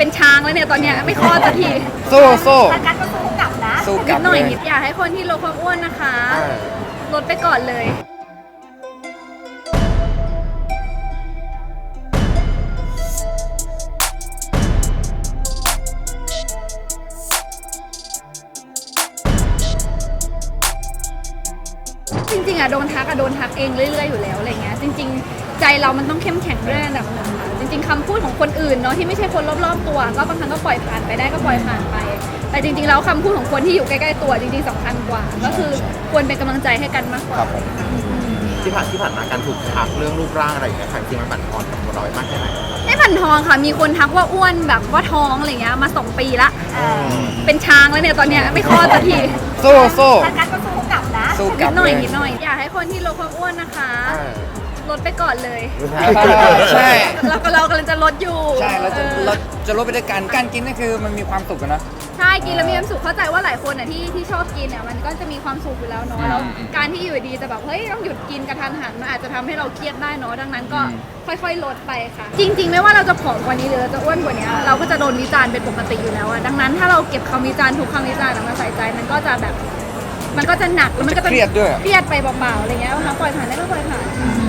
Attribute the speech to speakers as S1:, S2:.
S1: เป็นช้างแล้วเนี่ยตอนเนี้ยไม่คลอดสักที
S2: สู้
S3: แต่กันก็สู้กลับนะ
S2: สู้ก
S1: นิ
S2: ลั
S1: ด
S2: บ
S1: หน่อย
S2: เลย
S1: นิดอยากให้คนที่ลดความอ้วนนะคะลดไปก่อนเลย จริงๆอะโดนทักเองเรื่อยๆอยู่แล้วอะไรเงี้ยจริงๆใจเรามันต้องเข้มแข็งด้วยระดับหนึ่งค่ะจริงๆคำพูดของคนอื่นเนาะที่ไม่ใช่คนรอบๆตัวก็บางครั้งก็ปล่อยผ่านไปได้ก็ปล่อยผ่านไป แต่จริงๆแล้วคำพูดของคนที่อยู่ใกล้ๆตัวจริงๆสำคัญกว่า ก็คือควรเป็นกำลังใจให้กันมากกว่า
S2: ครับผม
S4: ที่ผ่านมาการถูกทักเรื่องรูปร่างอะไรอย่างเงี้ยค่ะจริงๆมันบั่นทอนกับตัวเรามากแค่ไหน
S1: ไม่ผันทองค่ะมีคนทักว่าอ้วนแบบว่าท้องอะไรเงี้ยมา2 ปีละเป็นช้างแล้วเนี่ยตอนเนี้ยไม่คลอดสักที
S2: สู้
S3: แต่กันก็สู้กลับนะ
S2: สู้ก
S1: นิ
S2: ลั
S1: ด
S2: บ
S1: หน่
S2: เล
S1: อย
S2: ย
S1: นิดหน่อยอยากให้คนที่ลดความอ้วนนะคะลดไปก่อนเลย
S2: ใช่
S1: เรากำลังจะลดอยู่
S2: ใช่เราจะลดไปด้วยกันการกินนั่นคือมันมีความสุขกันเนอะ
S1: ใช่กินแล้วมีความสุขเข้าใจว่าหลายคนอ่ะที่ชอบกินเนี่ยมันก็จะมีความสุขอยู่แล้วเนาะแล้วการที่อยู่ดีจะแบบเฮ้ยต้องหยุดกินกระทันหันมันอาจจะทำให้เราเครียดได้เนาะดังนั้นก็ค่อยๆลดไปค่ะ จริง ๆ ไม่ว่าเราจะผอมกว่านี้หรือเราจะอ้วนกว่านี้เราก็จะโดนวิจารณ์เป็นปกติอยู่แล้วอะดังนั้นถ้าเราเก็บคำวิจารณ์ทุกคำวิจารณ์มาใส่ใจมันก็จะแบบมันก็จะหนักแล้วมันก็จะ
S2: เครียดด้วย
S1: เครียดไปเปล่าๆอะไรเงี้ยนะคะปล่อยผ่านได้ก็ปล่อยผ่าน